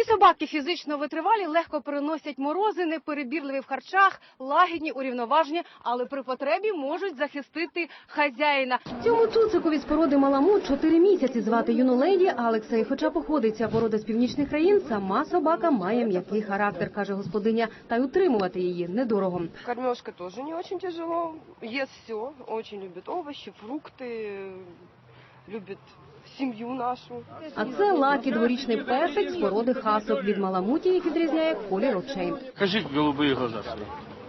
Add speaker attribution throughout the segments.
Speaker 1: собаки фізично витривалі, легко переносять морози, неперебірливі в харчах, лагідні, урівноважені, але при потребі можуть захистити хазяїна. Цьому цуцикові з породи маламут 4 місяці, звати юну леді Алекса. І хоча походить ця порода з північних країн, сама собака має м'який характер, каже господиня, та й утримувати її недорого.
Speaker 2: Кормежка тоже не очень тяжело, ест все, очень любит овощи, фрукты, любит сім'ю нашу.
Speaker 1: А це Лакі, дворічний песик з породи хасок. Від маламутів їх відрізняє колір очей.
Speaker 3: Кажи голубые глаза свои.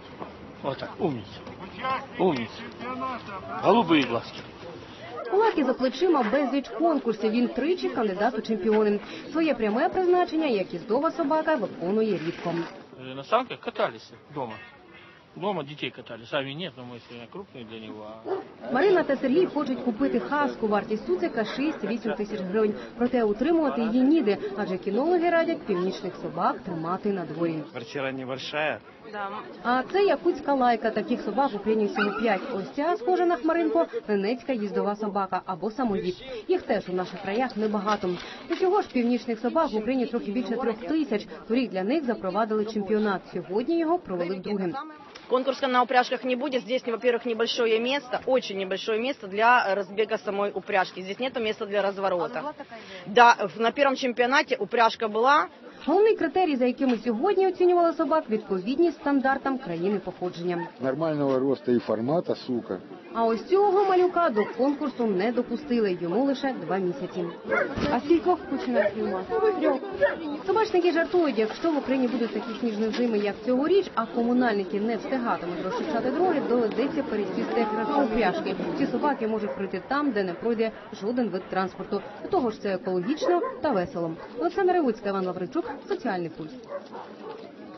Speaker 3: Вот так, умница. Умница. Голубые глазки.
Speaker 1: У Лакі за плечима безліч конкурсів. Він тричі кандидат у чемпіони. Своє пряме призначення, як їздова собака, виконує рідко.
Speaker 3: На санках катались дома. Дома детей катали. Сами нет, но мы сегодня крупные для него.
Speaker 1: Марина та Сергій хочуть купити хаску. Вартість цуцика 6-8 тисяч гривень. Проте утримувати її ніде, адже кінологи радять північних собак тримати на дворі.
Speaker 4: Квартира небольшая.
Speaker 2: Да.
Speaker 1: А це якутська лайка. Таких собак в Україні всього 5. Ось ця, схожа на хмаринку, ненецька їздова собака або самоїд. Їх теж у наших краях небагато. Усього ж північних собак в Україні трохи більше 3 тисяч. Торік для них запровадили чемпіонат. Сьогодні його провели вдруге.
Speaker 5: Конкурса на упряжках не будет. Здесь, во-первых, небольшое место, очень небольшое место для разбега самой упряжки. Здесь нет места для разворота. Да, на первом чемпионате упряжка была.
Speaker 1: Головний критерій, за якими сьогодні оцінювали собак – відповідність стандартам країни походження.
Speaker 6: Нормального росту і формату, сука.
Speaker 1: А ось цього малюка до конкурсу не допустили. Йому лише 2 місяці. А скількох починає знімати? 3. Собачники жартують, якщо в Україні будуть такі сніжні зими, як цьогоріч, а комунальники не встигатимуть розчищати дороги, доведеться пересісти на упряжки. Ці собаки можуть пройти там, де не пройде жоден вид транспорту. До того ж, це екологічно та весело. Олександра Ревуцька, Іван Лавричук, Соціальний пульс.